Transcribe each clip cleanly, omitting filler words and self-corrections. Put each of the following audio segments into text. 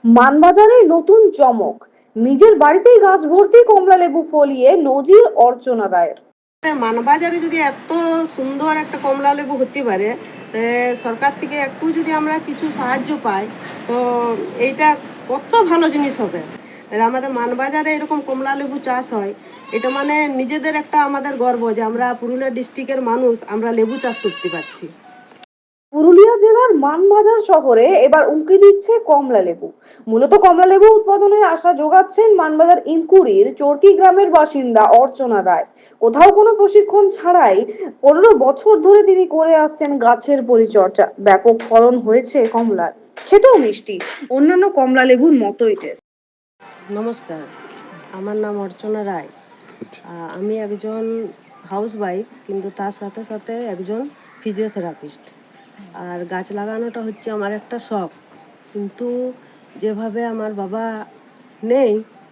মানবাজারে নতুন চমক, নিজের বাড়িতেই গাছ ভর্তি কমলা লেবু ফলিয়ে নজির অর্চনা রায়ের। মানবাজারে যদি এত সুন্দর একটা কমলা লেবু হতে পারে, সরকার থেকে একটু যদি আমরা কিছু সাহায্য পাই, তো এইটা কত ভালো জিনিস হবে। আমাদের মানবাজারে এরকম কমলা লেবু চাষ হয়, এটা মানে নিজেদের একটা আমাদের গর্ব যে আমরা পুরুলিয়া ডিস্ট্রিক্টের মানুষ, আমরা লেবু চাষ করতে পারছি। পুরুলিয়া জেলার মানবাজার শহরে এবার উঁকি দিচ্ছে কমলা লেবু। মূলত কমলা লেবু উৎপাদনের আশা যোগাচ্ছেন মানবাজার ইনকুড়ির চরকি গ্রামের বাসিন্দা অর্চনা রায়। কোথাও কোনো প্রশিক্ষণ ছাড়াই 15 বছর ধরে তিনি করে আসছেন গাছের পরিচর্যা। ব্যাপক ফলন হয়েছে কমলার, খেতেও মিষ্টি, অন্যান্য কমলা লেবুর মতোই টেস্ট। নমস্কার, আমার নাম অর্চনা রায়। আমি একজন হাউসওয়াইফ, কিন্তু তার সাথে সাথে একজন ফিজিওথেরাপিস্ট। আর গাছ লাগানোটা হচ্ছে আমার একটা শখ, কিন্তু যেভাবে আমার বাবা নেই,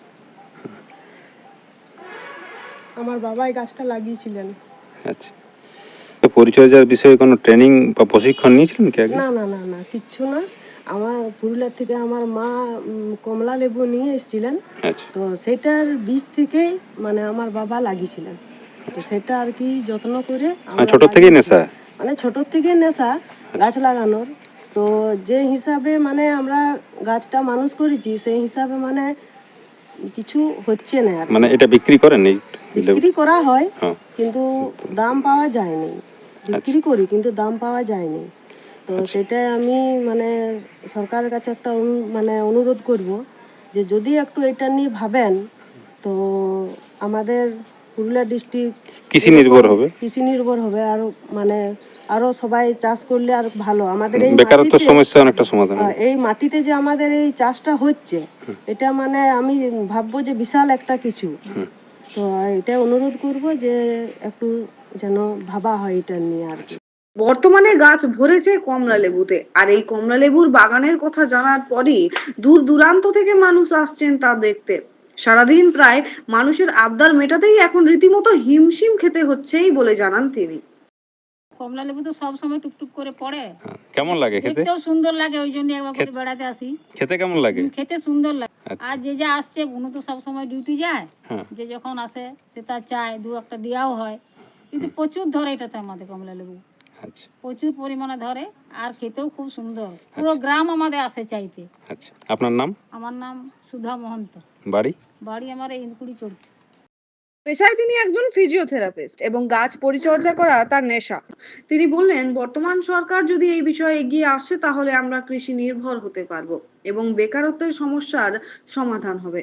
আমার বাবাই গাছটা লাগিয়েছিলেন। আচ্ছা, তো পরিচর্যার বিষয়ে কোনো ট্রেনিং বা প্রশিক্ষণ নিয়েছিলেন কি আগে? না না না না কিচ্ছু না। আমার পুরুলিয়া থেকে আমার মা কমলা লেবু নিয়ে এসেছিলেন। আচ্ছা, তো সেটার বীজ থেকেই মানে আমার বাবা লাগিয়েছিলেন। তো সেটা আর কি যত্ন করে ছোট থেকেই নেশা? মানে ছোট থেকে নেশা গাছ লাগানোর। তো যে হিসাবে মানে আমরা গাছটা মানুষ করেছি, সেই হিসাবে মানে কিছু হচ্ছে না আর মানে এটা বিক্রি করেন? এই বিক্রি করা হয়, হ্যাঁ, কিন্তু দাম পাওয়া যায়নি। বিক্রি করি কিন্তু দাম পাওয়া যায়নি। তো সেটাই আমি মানে সরকারের কাছে একটা মানে অনুরোধ করব যে যদি একটু এটা নিয়ে ভাবেন, তো আমাদের পুরুলিয়া ডিস্ট্রিক্ট কৃষি নির্ভর হবে। আর মানে আরো সবাই চাষ করলে আর ভালো। আমাদের এই বেকারত্ব সমস্যা অনেকটা সমাধান হবে। এই মাটিতে যে আমাদের এই চাষটা হচ্ছে, এটা মানে আমি ভাববো যে বিশাল একটা কিছু। তো এটা অনুরোধ করব যে একটু যেন ভাবা হয় এটা নিয়ে আর কি। বর্তমানে গাছ ভরেছে কমলা লেবুতে, আর এই কমলা লেবুর বাগানের কথা জানার পরই দূর দূরান্ত থেকে মানুষ আসছেন তা দেখতে। সারাদিন প্রায় মানুষের আবদার মেটাতেই এখন রীতিমতো হিমশিম খেতে হচ্ছেই বলে জানান তিনি। কমলা লেবু তো সব সময় টুকটুক করে পড়ে। কেমন লাগে খেতে? দেখতেও সুন্দর লাগে, ওই জন্য একবার করে বেড়াতে আসি। খেতে কেমন লাগে? খেতে সুন্দর লাগে। আচ্ছা। আর যে আসছে উনি তো সব সময় ডিউটি যায়, যে যখন আসে সে তার চায় দু একটা দেওয়াও হয়। কিন্তু প্রচুর ধরে এটাতে আমাদের কমলা লেবু। আচ্ছা, প্রচুর পরিমাণে ধরে, আর খেতেও খুব সুন্দর। পুরো গ্রাম আমাদের আসে চাইতে। আচ্ছা, আপনার নাম? আমার নাম সুধা মহন্ত। বাড়ি আমার এই ইনকুড়ি চরকি। পেশায় তিনি একজন ফিজিওথেরাপিস্ট এবং গাছ পরিচর্যা করা তার নেশা। তিনি বললেন, বর্তমান সরকার যদি এই বিষয়ে এগিয়ে আসে তাহলে আমরা কৃষি নির্ভর হতে পারবো এবং বেকারত্বের সমস্যার সমাধান হবে।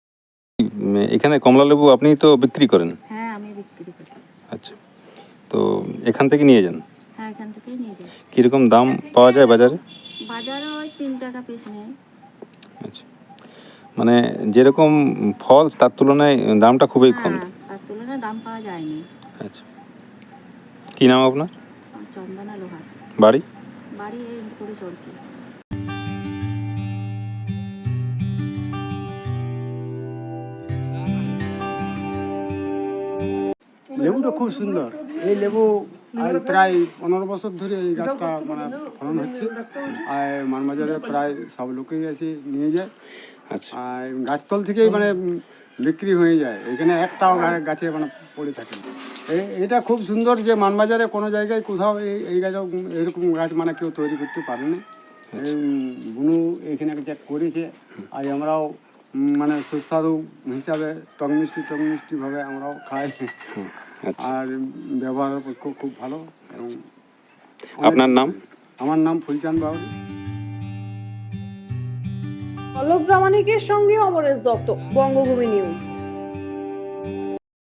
এখানে কমলা লেবু আপনি তো বিক্রি করেন? হ্যাঁ, আমি বিক্রি করি। আচ্ছা, তো এখান থেকে নিয়ে যান? হ্যাঁ, এখান থেকেই নিয়ে যাই। কিরকম দাম পাওয়া যায় বাজারে? বাজারে ওই 3 টাকা পিস নেয়। আচ্ছা, মানে যেরকম ফল তার তুলনায় দামটা খুবই কম। তার তুলনায় দাম পাওয়া যায়নি। আচ্ছা, কি নাম আপনার? চন্দনা লোহার। বাড়ি? বাড়ি এই ইনকুড়ি চরকি। লেবুটা খুব সুন্দর। এই লেবু আর প্রায় 15 বছর ধরে এই গাছটা মানে ফলন হচ্ছে। আর মানবাজারে প্রায় সব লোকেই এসে নিয়ে যায়। আচ্ছা, আর গাছতল থেকেই মানে বিক্রি হয়ে যায়, এখানে একটাও গাছে মানে পড়ে থাকে। এটা খুব সুন্দর যে মানবাজারে কোনো জায়গায় কোথাও এই গাছ এরকম গাছ মানে কেউ তৈরি করতে পারেনি। বুনু এখানে যে করেছে, আর আমরাও মানে সুস্বাদু হিসাবে টক মিষ্টি ভাবে আমরাও খাই। আর ব্যবহারের পক্ষে খুব ভালো। এবং আপনার নাম? আমার নাম ফুলচাঁদ বাউরি। পল্লব প্রামাণিকের সঙ্গে অমরেশ দত্ত, বঙ্গভূমি নিউজ।